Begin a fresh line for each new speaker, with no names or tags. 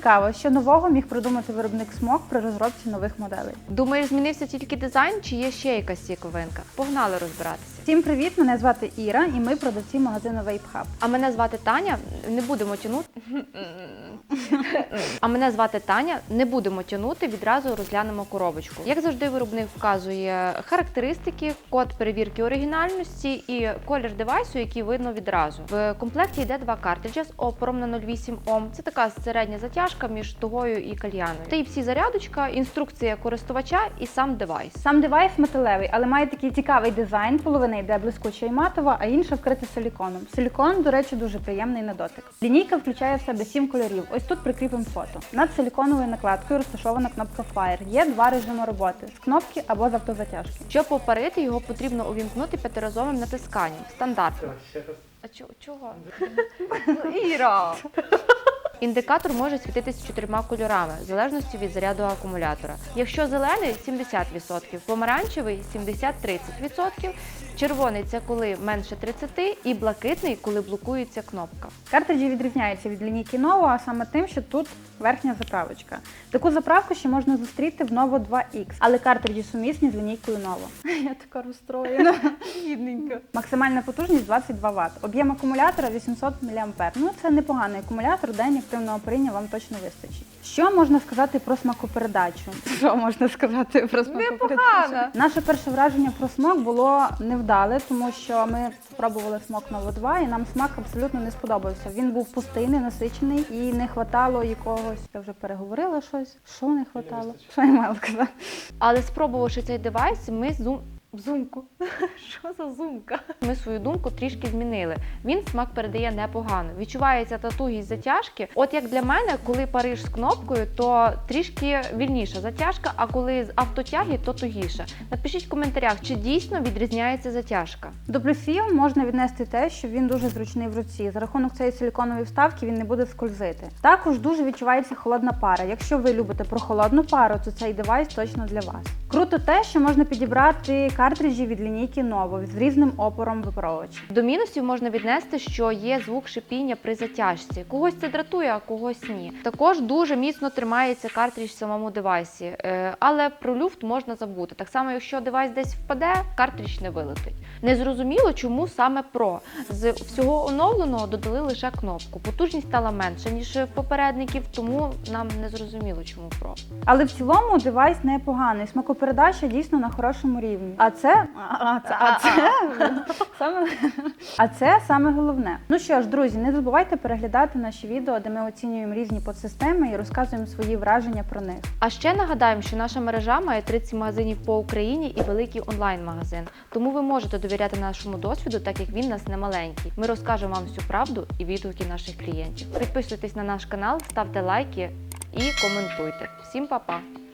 цікаво, що нового міг придумати виробник Smog при розробці нових моделей.
Думаєш, змінився тільки дизайн чи є ще якась цікавинка? Погнали розбиратися.
Всім привіт! Мене звати Іра і ми продавці магазину Vape Hub.
А мене звати Таня. Не будемо тягнути, відразу розглянемо коробочку. Як завжди, виробник вказує характеристики, код перевірки оригінальності і колір девайсу, який видно відразу. В комплекті йде два картриджі з опором на 0,8 Ом. Це така середня затяжка між тугою і кальяною. Type-C зарядочка, інструкція користувача і сам девайс.
Сам девайс металевий, але має такий цікавий дизайн. Половина йде блискуча і матова, а інша вкрита силіконом. Силікон, до речі, дуже приємний на дотик. Лінійка включає в себе 7 кольорів. Ось тут прикріпимо фото. Над силіконовою накладкою розташована кнопка Fire. Є два режими роботи – з кнопки або з автозатяжки.
Щоб попарити, його потрібно увімкнути п'ятиразовим натисканням. Стандартно. А чого? Іра! Індикатор може світитися 4 кольорами, в залежності від заряду акумулятора. Якщо зелений – 70%, помаранчевий – 70-30%, червоний – це коли менше 30% і блакитний – коли блокується кнопка.
Картриджі відрізняються від лінійки Novo, а саме тим, що тут верхня заправочка. Таку заправку ще можна зустріти в Novo 2X, але картриджі сумісні з лінійкою Novo. Я така розстроєна. Бідненька. Максимальна потужність 22 Вт. Об'єм акумулятора 800 мА. Ну, це непоганий акумулятор, день активного паріння вам точно вистачить. Що можна сказати про смакопередачу?
Непогано!
Наше перше враження про смак було невдале, тому що ми спробували смак Novo 2 і нам смак абсолютно не сподобався. Він був пустий, ненасичений і не хватало якогось. Я вже переговорила щось. Що не хватало? Що я мала сказати?
Але спробувавши цей девайс, ми Що за зумка? Ми свою думку трішки змінили. Він смак передає непогано. Відчувається та тугість затяжки. От як для мене, коли париш з кнопкою, то трішки вільніша затяжка, а коли з автотяги, то тугіша. Напишіть в коментарях, чи дійсно відрізняється затяжка.
До плюсів можна віднести те, що він дуже зручний в руці. За рахунок цієї силіконової вставки він не буде скользити. Також дуже відчувається холодна пара. Якщо ви любите прохолодну пару, то цей девайс точно для вас. Круто те, що можна підібрати картриджі від лінійки Novo з різним опором випаровувача.
До мінусів можна віднести, що є звук шипіння при затяжці. Когось це дратує, а когось ні. Також дуже міцно тримається картридж в самому девайсі, але про люфт можна забути. Так само, якщо девайс десь впаде, картридж не вилетить. Незрозуміло, чому саме Pro. З всього оновленого додали лише кнопку. Потужність стала менша, ніж в попередників, тому нам не зрозуміло, чому Pro.
Але в цілому девайс непоганий. Смакопередача дійсно на хорошому рівні. А це саме головне. Ну що ж, друзі, не забувайте переглядати наші відео, де ми оцінюємо різні подсистеми і розказуємо свої враження про них.
А ще нагадаємо, що наша мережа має 30 магазинів по Україні і великий онлайн-магазин. Тому ви можете довіряти нашому досвіду, так як він у нас не маленький. Ми розкажемо вам всю правду і відгуки наших клієнтів. Підписуйтесь на наш канал, ставте лайки і коментуйте. Всім па-па!